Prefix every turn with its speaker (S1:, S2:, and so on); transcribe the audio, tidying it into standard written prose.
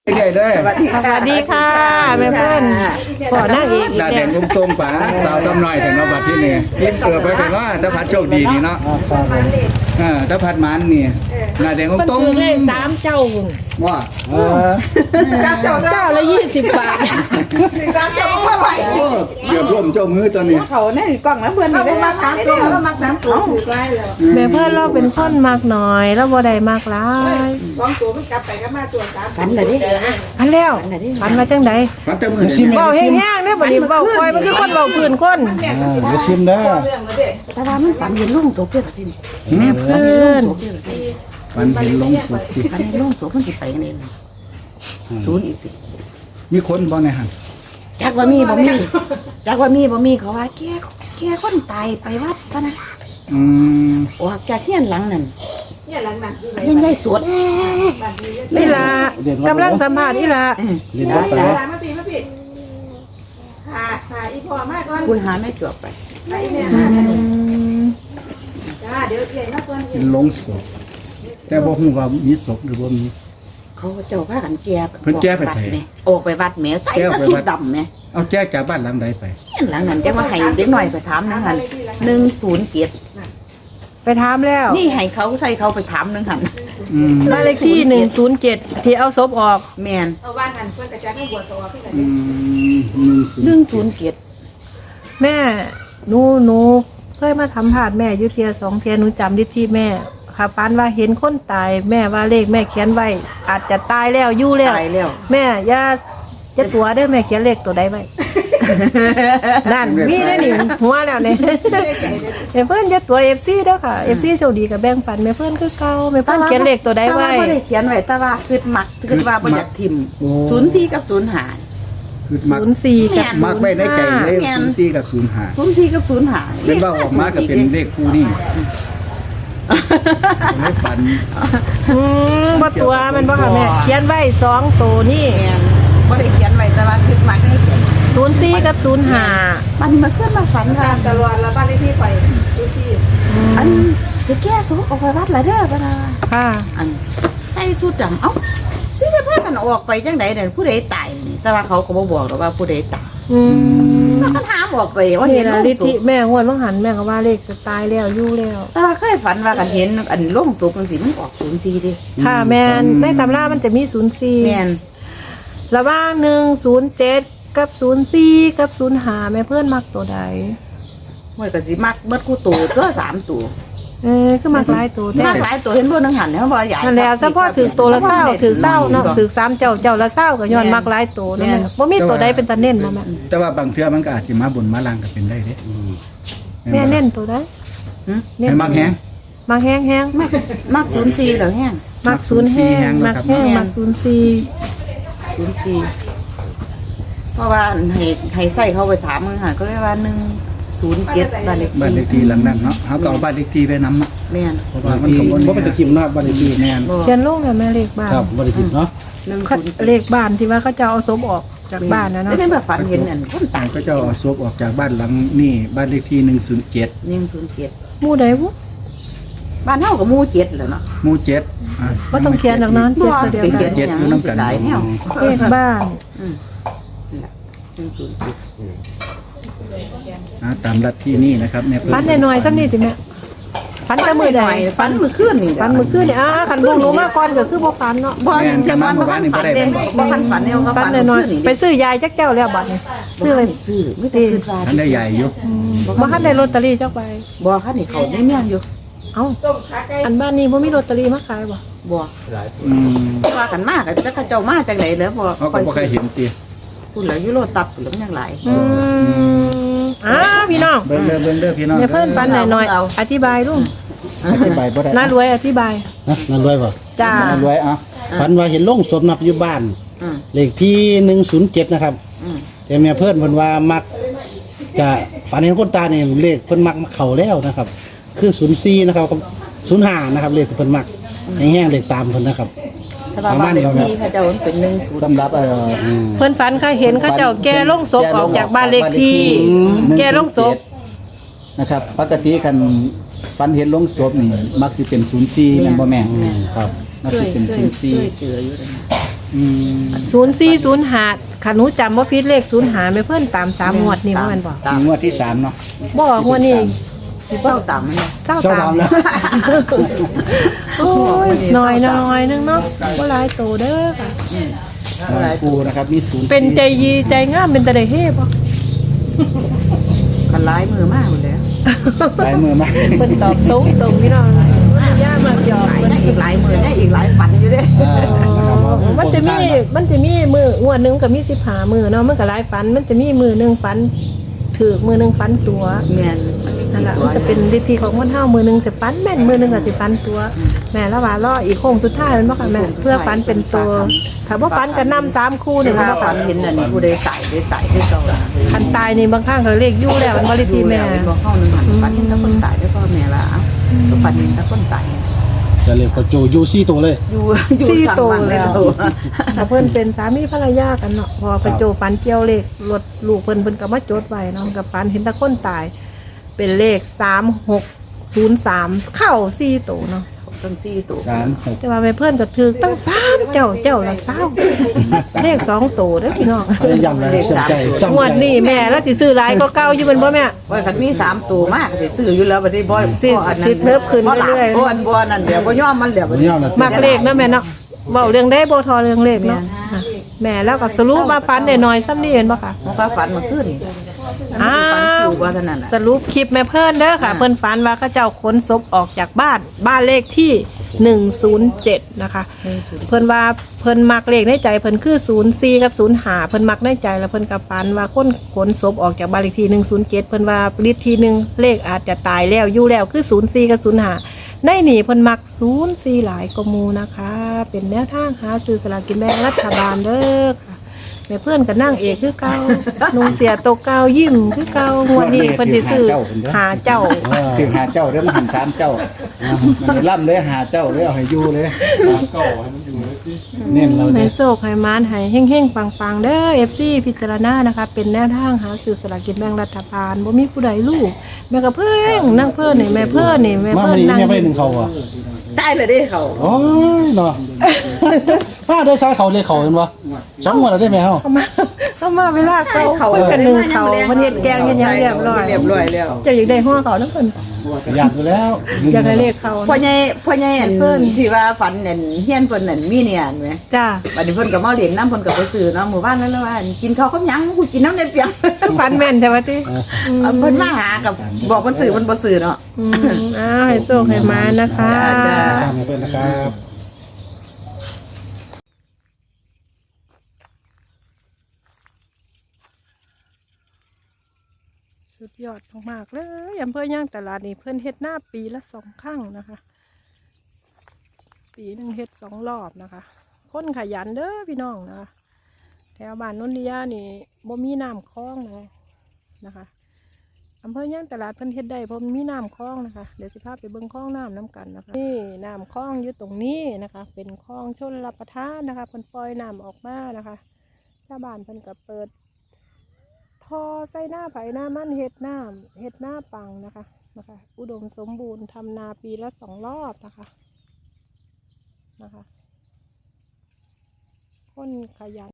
S1: ใหญ่ด้วย
S2: สวัสดีค่ะแม่เพื่อนขอนั่งอีก
S1: หน้าแดงตรงๆป๋าสาวซ้ำหน่อยถึงเราบัดที่นี่ยิ้มไปถึงว่าถ้าพัดโชคดีนี่เนาะถ้าพัดมันนี่หน้าแดงตรง
S2: เลข3เจ้า
S1: ว่า
S2: เจ้าละ20 บาท
S3: 3เจ้าเมื่อไหร่
S1: เกือบร่วมเจ้ามือตอนนี้
S3: เขาในกล่องแล้วเพื่อนเรามา3ตัวแล้วมา3ตัวถือไว้เลย
S2: แม่เพื่อนเราเป็นคนมากน้อยแล้วบ่ได้มากหลาย
S3: 2ตัวมันกลับไปก็มาตัว3
S4: ฝันเลยดิ
S2: อันแล้วฝันมาจังได๋
S1: ฝันแต่มือสิ
S2: เว้าแห้งๆเด้อบัดนี้เว้าคอยมันคือคนเว้าพื้นคน
S1: อย่าชิมเด้อ
S4: แต่ว่ามันฝันเห็นลุงโสเพื่อนที่นี่
S2: แม่เพื่อน
S1: ฝันเห็นลงสุดที่
S4: ฝันเห็นลุงโสมันสิไปกันเองศูนย์อีกติ
S1: มีคนบ่ในหัน
S4: จักว่ามีบ่มีจักว่ามีบ่มีเขาว่าแกคนตายไปวัดซะนะออกจากเฮียนหลังนั่น
S3: เนี่ยหลังนั้น
S4: เฮียนใหญ่สวด
S2: นี่ล่ะกำลังสัมภาษณ์นี่ล่ะ
S1: เรียนบ่ไป
S3: มาปีหาอีพ่อมาก่อน
S4: คุยหาแม่จวบไป
S3: ไปแม่จ้าเดี๋ยวเย็นนะเพื่อน
S1: เป็นลงศพแต่บ่ฮู้ว่ามีศพหรือบ่มี
S4: เขาเจ้าพากันแก่
S1: เพิ่นแก้ไปใส่
S4: ออกไปวัดแม่ใส่ชุดดำแม่
S1: เอาแก้จากบ้านหลังใดไป
S4: หลังนั้นจังว่าให้เด็กหน่อยไปถามนึงหั่น107
S2: ไปถามแล้ว
S4: นี่ให้เขาใส่เขาไปถามนึงหั่น
S2: บ้านเลขที่107ที่เอาศพออก
S4: แม่น
S3: เอาว่าหันเพิ่นกระจายให้บวชตัวพี่กัน
S4: 107
S2: แม่หนูเคยมาทำผาดแม่อยู่เทีย2เทียหนูจำได้ที่แม่ค่ะฝันว่าเห็นคนตายแม่ว่าเลขแม่เขียนไว้อาจจะตายแล้วอยู่แล้วแม่อย่าจะตัวเด้อแม่เขียนเลขตัวใดไว้นั่นมีได้นี่หัวแล้วเนี่ยเพื่อนจะตัว FC เด้อค่ะ FC โชคดีกับแบ่งปันแม่เพื่อนคือเก่าแม่เพื่อนเขียนเลขตัวใดไว้
S4: แต่ว่าบ่ได้เขียนไว้แต่ว่าคิดว่าบ่อยากทิ่ม04กับ05
S1: คือ04กับมักไว้ในใจเลย04กับ05
S4: กับ05
S1: เป็นว่าออกมาก็เป็นเลขคู่นี่ไม่ฝัน
S2: บ่ตัวมันบ่ค่ะแม่เขียนไว้2ตัวนี่
S4: บ่ได้เขียนไว้แต่ว่าคิดมักให้เขียน
S2: 04กับ05
S4: มันมาขึ้นมาฝันว่า
S3: ตลอดแล้วบ้านเลขที่ไปดูชี
S4: อันสิแก้สุออกไปวัดละเด้อบ่ล่ะ
S2: ค่ะ
S4: อันใส่สูทดำเอ้าที่จะพากันออกไปจังได๋นั่นผู้ใดตายนี่แต่ว่าเขาก็บ่บอกหรอกว่าผู้ใดตายแล้วก็ถามออกไปว่าเห็น
S2: ลิธิแม่งวดว่างหันแม่ก็ว่าเลขสไตล์แล้วอยู่แล้ว
S4: แต่ว่าเคยฝันว่ากันเห็นอันลงศพจังซี่มันออก04ดิ
S2: ค่ะแม่นในตำรามันจะมี04
S4: แม่น
S2: ระหว่าง107กับ04กับ05แม่เพื่อนมักตัวใด
S4: มื้อก็สิมักเบิดคู่ตัวตัว3ตัว
S2: คือมักหลายตัว
S4: มักหลายตัวเห็นบ่นึงหันเนี่ยบ่ใหญ่
S2: แล้วเฉพาะถือตัวละ20ถือ20เนาะถือ3เจ้าละ20ก็ย้อนมักหลายตัวนั่นบ่มีตัวใดเป็นตาเน้นบ่แม่
S1: แต่ว่าบางเทื่อมันก็อาจสิมาบนมาล่างก็เป็นได้เด้
S2: แม่เน้นตัวใด
S1: ให้มักแฮง
S2: มักแฮง
S4: มัก04แล้วแฮง
S2: มัก0แฮงมักแฮงมัก
S4: 04เพราะว่าให้ใส่เขาไปถามมึงหันก็เรียกว่า107บ้าน
S1: เลขที่หลังนั้นเนาะเฮาก็เอาบ้านเลขที่ไปนำเนาะ
S4: แม่น
S1: เพราะว่ามันก็บ่เป็นตะทิมเนาะบ้านเลขที่แม่น
S2: เขียนลงแล้วแม่เลขบ้าน
S1: ครับบ่ได้ทิมเนาะ
S2: เลขบ้านที่ว่าเขาจะเอาศพออกจากบ้านนะเนาะ
S4: ได้แบบฝันเห็นอันคนตาย
S1: ก็จะเอาศพออกจากบ้านหลังนี่บ้านเลขที่
S4: 107
S2: หมู่ใดบ่
S4: บ้านเฮาก็หมู่7แล้วเนาะ
S1: หมู่7
S2: บ่ต้องเขียนหรอกนั้น
S4: 7ตัวเดียวกัน7อยู่นำกัน
S2: เลขบ้าน
S1: ตามลัทธินี่นะครับเนี่ย
S2: ฝันหน่อยๆสักนิดสิแม่ฝันจะมือใด
S4: ฝันมื้อคืนนี่
S2: ฝันมื้อคืนนี่คันบ่รู้มาก่อนก็คือบ่ฝันเนาะ
S4: บ่จังว่าบ่ฝันเด้บ่ฝันเนี่ยก็ฝัน
S2: หน่อยๆไปซื้อยายจักเจ้าแล้วบัดนี้
S4: ซื้อไปซื้อไม่ได้ขึ้นรา
S1: ทันได้ใหญ่อยู่
S2: บ่ทันได้ลอตเตอรี่จักใบ
S4: บ่คันนี่เขาได้เมียนอยู่
S2: เอ้าอันบ้านนี้บ่มีลอตเตอรี่มาขายบ่
S4: ว่ากันมากแล้วเขาเจ้ามาจังได๋แล้วบ่
S1: ค่อยบ่เคยเห็นติ
S4: พูดแล้วอยู่โลตับหรือยังหลาย
S2: พี่น้อง
S1: เบิ่งเด้อพี่น้อง
S2: อย่าเพิ่นปันหน่อยอธิบายลุง
S1: อธิบายบ่ได้
S2: น่ารวยอธิบาย
S5: น่ารวยบ่
S2: จ้า
S1: น่ารวย
S5: ฝันว่าเห็นโรงศพนับอยู่บ้านเลขที่107นะครับแต่แม่เพิ่นเพิ่นว่ามักจะฝันเห็นคนตายนี่เลขเพิ่นมักเข้าแล้วนะครับคือ04นะครับกับ05นะครับเลขที่เพิ่นมักให้แห้งเลขตามเพิ่นนะครับ
S4: ประมาณนี้เขาเจ้าเป็น10
S1: สำหรับ
S2: เพิ่นฝันเขาเห็นเขาเจ้าแก่ลงศพออกจากบ้านเลขที่แก่ลงศพ
S1: นะครับปกติคันฝันเห็นลงศพนี่มักสิเป็น04แม่นบ่แม่ครับมักสิเป็น04
S4: เชื่ออยู่
S1: อืม
S2: 0405คันหนูจำบ่ผิดเลข05แม่เพิ่นตาม3งวดนี่บ่แม่นบ่
S1: งวดที่3เนาะ
S2: บ่งวดนี้สิบ่
S4: เจ้าต่ำมันเนี่ย
S2: เจ้า
S5: เจ้า
S2: ตาม
S5: ทำแล้ว
S2: โอ้ยน้อยนึงเนาะบ่หลายโตเด้อค่ะ
S1: ปูนะครับมี0
S2: เป็นใจยีใจงามเป็นตาได้เฮ่บ่
S4: กันร้ายมือมากหมดเลย
S1: ลายมือมา
S2: เพิ่นตอบตรงพี่น้องย่ามาหยอก
S4: ยังอีกหลายมือยังอีกหลายฝันอยู่เด้
S2: มันจะมีมืองวดหนึงก็มี15มื้อเนาะมันก็หลายฝันมันจะมีมื้อหนึงฝันถูกมื้อหนึงฝันตัว
S4: แม่น
S2: นั่นล่ะมันจะเป็นวิธีของคนเฮามื้อหนึงสิฝันแม่นมื้อหนึงก็สิฝันตัว แม่ละว่ารออีกโค้งสุดท้ายแมันบ่ค่ะแม่เพื่อฝันเป็นตัวถ้าบ่ฝันก็นำ3คู่นี่
S4: ถ้า
S2: บ่
S4: ฝั
S2: ค่ะ
S4: นเห็นนั่นผู้ใดตายได้ตายได้เก่า
S2: คันตายนี่บางครั้งก็เลขอยู่แล้วมันบ่ได้ทีแม่
S4: บอกเข้าหนึ่งหันฝันเห็นแต่คนตายได้พ่อแม่ละก็ฝันเห็นแต่คนตาย
S5: จะเรียกว่าโจยูซี่ตัวเลย
S4: อยู่สั่งมันเลยเรา
S2: ถ้าเพิ่นเป็นสามีภรรยากันเนาะพอไปโจฝันเกี่ยวเลขรถลูกเพิ่นก็มาจดไว้เนาะกับฝันเห็นแต่คนตาย เป็นเลข3603เข้า4ตัวเนาะ
S4: ตั้ง4ตัว
S1: 3
S2: แต่ว่าแม่เพิ่นก็ถือตั้ง3เจ้าละ20เลข2ตัวเด้อพี่น้อง
S5: พยายามเลยสนใจสน
S2: งวด
S5: ใจ
S2: นี้แม่แล้วสิซื้อหลายก็เก่าอยู่แม่นบ่แม่
S4: ว่าคันมี3ตัวมากสิซื้ออยู่แล้วบัดนี้บ่
S2: สิเทิบขึ้นเรื่อยๆ
S4: บ่นั่นเดี๋ยวบ่ยอมมันเดี๋ยว
S5: มันยอดเลย
S2: มักเลขเนาะแม่เนาะเว้าเรื่องได้บ่ทอเรื่องเลขเนาะแม่แล้วก็สรุปมาฝันได้น้อยซ้ำนี่เห็นบ่ค่ะ
S4: มันก็ฝันมาขึ้นฝันคิวว่าเท่านั้นน่ะ
S2: สรุปคลิปแม่เพิ่นเด้อค่ะเพิ่นฝันว่าเขาเจ้าขนศพออกจากบ้านเลขที่107นะคะเพิ่นว่าเพิ่นมักเลขในใจเพิ่นคือ04กับ05เพิ่นมักในใจแล้วเพิ่นก็ฝันว่าคนขนศพออกจากบ้านเลขที่107เพิ่นว่าลิตรที่หนึ่งเลขอาจจะตายแล้วอยู่แล้วคือ04กับ05ในนี่เพิ่นมัก04หลายกว่าหมู่นะคะ เป็นแนวทางหาซื้อสลากกินแบ่งรัฐบาลเด้อค่ะแม่เพื่อนก็นั่งเอกคือเก่านุ่งเสียโตวเก่ายิ้มคือเก่างวดนี้เพิ่นสิซื้อหาเจ้า
S1: ถึงหาเจ้าเด้อมันหัน3เจ้ามันล่ำเลยหาเจ้าเลยเอาให้อยู่เลยเน้นเรา
S2: ใน
S1: เด้อ
S2: โศกให้มานให้เฮงๆปังๆเด้อ FC พิจารณานะคะเป็นแนวทางหาซื้อสลากกินแบ่งรัฐบาลบ่มีผู้ใดรู้แม่ก็เพิ่งนั่งเพิ่นนี่แม่เพิ่นนี่แม่
S5: มา
S2: เพิ่
S5: วัน
S2: น
S5: นี้
S2: นั่ง
S5: แม่ไม่ได้หนึ่งเขาอ่ะ
S4: ได้เลยเด้เขา
S5: โอ้ยเนาะมาได้ซ้ายเขาเลยเขาเห็นปะสองวันแล้วได้ไหมเฮา
S2: เข้ามาเวลาเขาเพิ่นกันนึงเขาเพิ่นเฮ็ดแกงเฮ็ดหยังเรียบร้อย
S4: เรียบร้อยแล้ว
S2: เจะอยากได้หัวเขานำเพิ่น
S5: อยากอยู่แล้ว
S2: อยากได้เลขเขา
S4: พ่อใหญ่อันที่ว่าฝันนั่นเฮียนเพิ่นนั่นมีเนี่ยอันไหม
S2: จ้า
S4: บัดนี้เพิ่นก็มาเลี้ยงน้ำเพิ่นก็ไปซื้อเนาะหมู่บ้านนั้นแล้วว่ากินข้าวกับหยังกูกินน้ำเด็ดเปียง
S2: ฟันแม่นใช่ไหมติ
S4: เพิ่นมาหากับบอกเพิ่นซื้อเพิ่นบ่ซื้อเนาะ
S2: ให้โชคให้มานะคะ
S4: จ้า
S5: ตามมาเป็นนะครับ
S2: สุดยอดมากๆเลยอำเภอย่างตลาดนี่เพิ่นเฮ็ดหน้าปีละ2 ครั้งนะคะ ปีหนึ่งเฮ็ด2 รอบนะคะ คนขยันเด้อพี่น้องนะคะแถวบ้านนนทิยานี่บ่มีน้ำคลองเลยนะคะอำเภอย่างตลาดเพิ่นเฮ็ดได้เพราะมันมีน้ำคลองนะคะเดี๋ยวสิพาไปเบิ่งคลองน้ำน้ำกันนะคะนี่น้ำคลองอยู่ตรงนี้นะคะ เป็นคลองชลรับประทานนะคะเพิ่นปล่อยน้ำออกมานะคะชาวบ้านเพิ่นก็เปิดท่อใส่หน้าไผ่หน้ามันเฮ็ดหน้าปังนะคะอุดมสมบูรณ์ทำนาปีละ2 รอบนะคะคนขยัน